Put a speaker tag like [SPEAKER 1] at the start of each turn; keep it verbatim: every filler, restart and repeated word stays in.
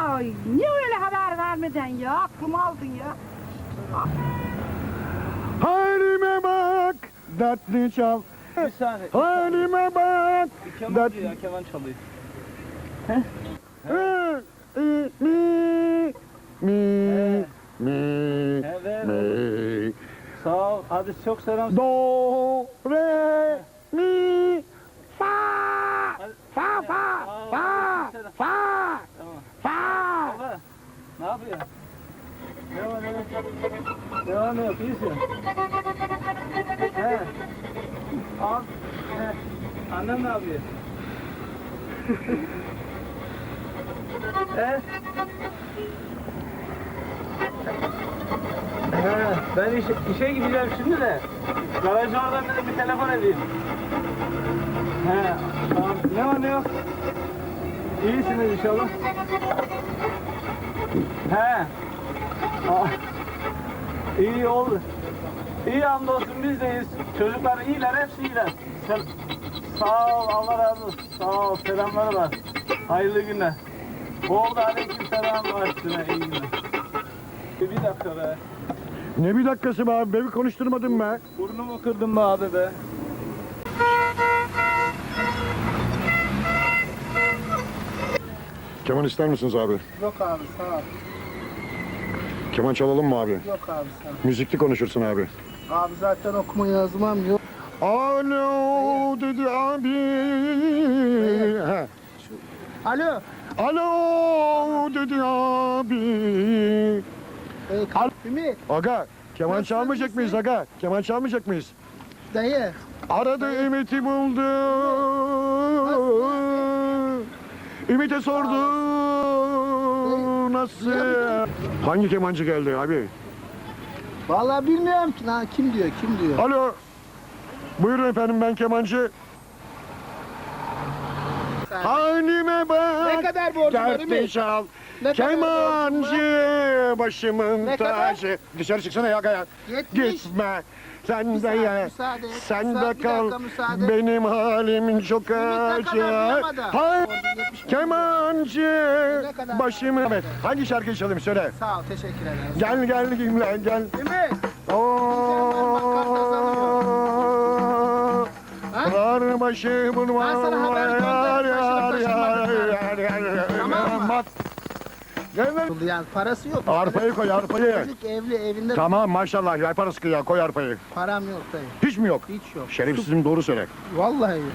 [SPEAKER 1] niye öyle haber vermeden ya? Aklımı aldın ya.
[SPEAKER 2] Halime bak, dertli çal.
[SPEAKER 3] Bir saniye.
[SPEAKER 2] Halime bak,
[SPEAKER 3] Bir keman
[SPEAKER 2] dertli.
[SPEAKER 3] diyor ya, keman çalıyor.
[SPEAKER 2] Hı, ı, Mi, mi,
[SPEAKER 3] He.
[SPEAKER 2] mi,
[SPEAKER 3] He, ver.
[SPEAKER 2] mi.
[SPEAKER 3] Sağ ol. Hadi çok selam.
[SPEAKER 2] Do, re, mi, fa,
[SPEAKER 3] Hadi.
[SPEAKER 2] fa, fa,
[SPEAKER 3] Aa,
[SPEAKER 2] fa,
[SPEAKER 3] selam.
[SPEAKER 2] fa,
[SPEAKER 3] Tamam.
[SPEAKER 2] fa.
[SPEAKER 3] Baba, ne yapıyorsun? Ne var ne var? Ne var ne yok? İyisin. He. Al. He. Annem ne yapıyor? He. He. Ben işe, işe gideceğim şimdi de. Garajı oradan dedim bir telefon edeyim. He. Tamam. Ne var ne yok? İyisiniz inşallah. He. Aa, İyi oldu. İyi hamdolsun biz deyiz. Çocuklar iyiler, hepsi iyiler. Sen, sağ ol, Allah razı olsun. Sağ ol, selamları var. Hayırlı günler. Oldu, aleyküm selam var üstüne, iyi günler. Bir dakika be.
[SPEAKER 2] Ne bir dakikası be abi, beni konuşturmadın be.
[SPEAKER 3] Burnumu kırdın be abi be.
[SPEAKER 2] Keman ister misiniz abi?
[SPEAKER 4] Yok abi sağ ol.
[SPEAKER 2] Keman çalalım mı abi?
[SPEAKER 4] Yok abi sağ ol.
[SPEAKER 2] Müzikli konuşursun abi.
[SPEAKER 4] Abi zaten okuma yazmam yok.
[SPEAKER 2] Alo dedi abi. Ha.
[SPEAKER 4] Alo.
[SPEAKER 2] Alo dedi abi.
[SPEAKER 4] Ee,
[SPEAKER 2] Al-
[SPEAKER 4] Ümit
[SPEAKER 2] Aga, keman
[SPEAKER 4] Nasılsın,
[SPEAKER 2] çalmayacak
[SPEAKER 4] iyisin?
[SPEAKER 2] mıyız aga? Keman çalmayacak mıyız?
[SPEAKER 4] dayı.
[SPEAKER 2] Aradı Ümit'i buldu. Ümit'e sordu. Nasıl? Hangi kemancı geldi abi?
[SPEAKER 4] Vallahi bilmiyorum ki lan kim diyor kim diyor.
[SPEAKER 2] Alo. Buyurun efendim, ben kemancı.
[SPEAKER 4] Sen-
[SPEAKER 2] Halime bak.
[SPEAKER 4] Ne kadar borcun var
[SPEAKER 2] Dertli
[SPEAKER 4] Ümit?
[SPEAKER 2] çal.
[SPEAKER 4] Ne kadar
[SPEAKER 2] Kemancı başımın
[SPEAKER 4] Ne kadar?
[SPEAKER 2] tacı. Dışarı çıksana ya gaya.
[SPEAKER 4] Yetmiş.
[SPEAKER 2] Gitme. Sen de
[SPEAKER 4] saniye,
[SPEAKER 2] ya.
[SPEAKER 4] müsaade et.
[SPEAKER 2] Sen
[SPEAKER 4] Müsaade-
[SPEAKER 2] de
[SPEAKER 4] bir
[SPEAKER 2] kal.
[SPEAKER 4] dakika, müsaade.
[SPEAKER 2] Benim halim çok
[SPEAKER 4] Ümit ne kadar
[SPEAKER 2] acı.
[SPEAKER 4] bulamadı?
[SPEAKER 2] Hay-
[SPEAKER 4] Borcun yetmiş bin.
[SPEAKER 2] Kemancı
[SPEAKER 4] Ne kadar?
[SPEAKER 2] başımı. Evet. Hangi şarkıyı çalayım söyle.
[SPEAKER 4] Sağ ol teşekkür ederim.
[SPEAKER 2] Gel gel gel gel.
[SPEAKER 4] Ümit.
[SPEAKER 2] Oo.
[SPEAKER 4] Ha?
[SPEAKER 2] Kar başı bunu
[SPEAKER 4] Ben sana haber gönderdim, taşınıp taşınmadığını. Tamam mı?
[SPEAKER 2] Gel lan.
[SPEAKER 4] Yani parası yok.
[SPEAKER 2] Arpayı koy arpayı.
[SPEAKER 4] Çocuk evli evinde
[SPEAKER 2] Tamam maşallah, yay parası ya, koy arpayı.
[SPEAKER 4] param yok dayı.
[SPEAKER 2] Hiç mi yok?
[SPEAKER 4] Hiç yok.
[SPEAKER 2] Şerefsizim, doğru söyle.
[SPEAKER 4] Vallahi yok.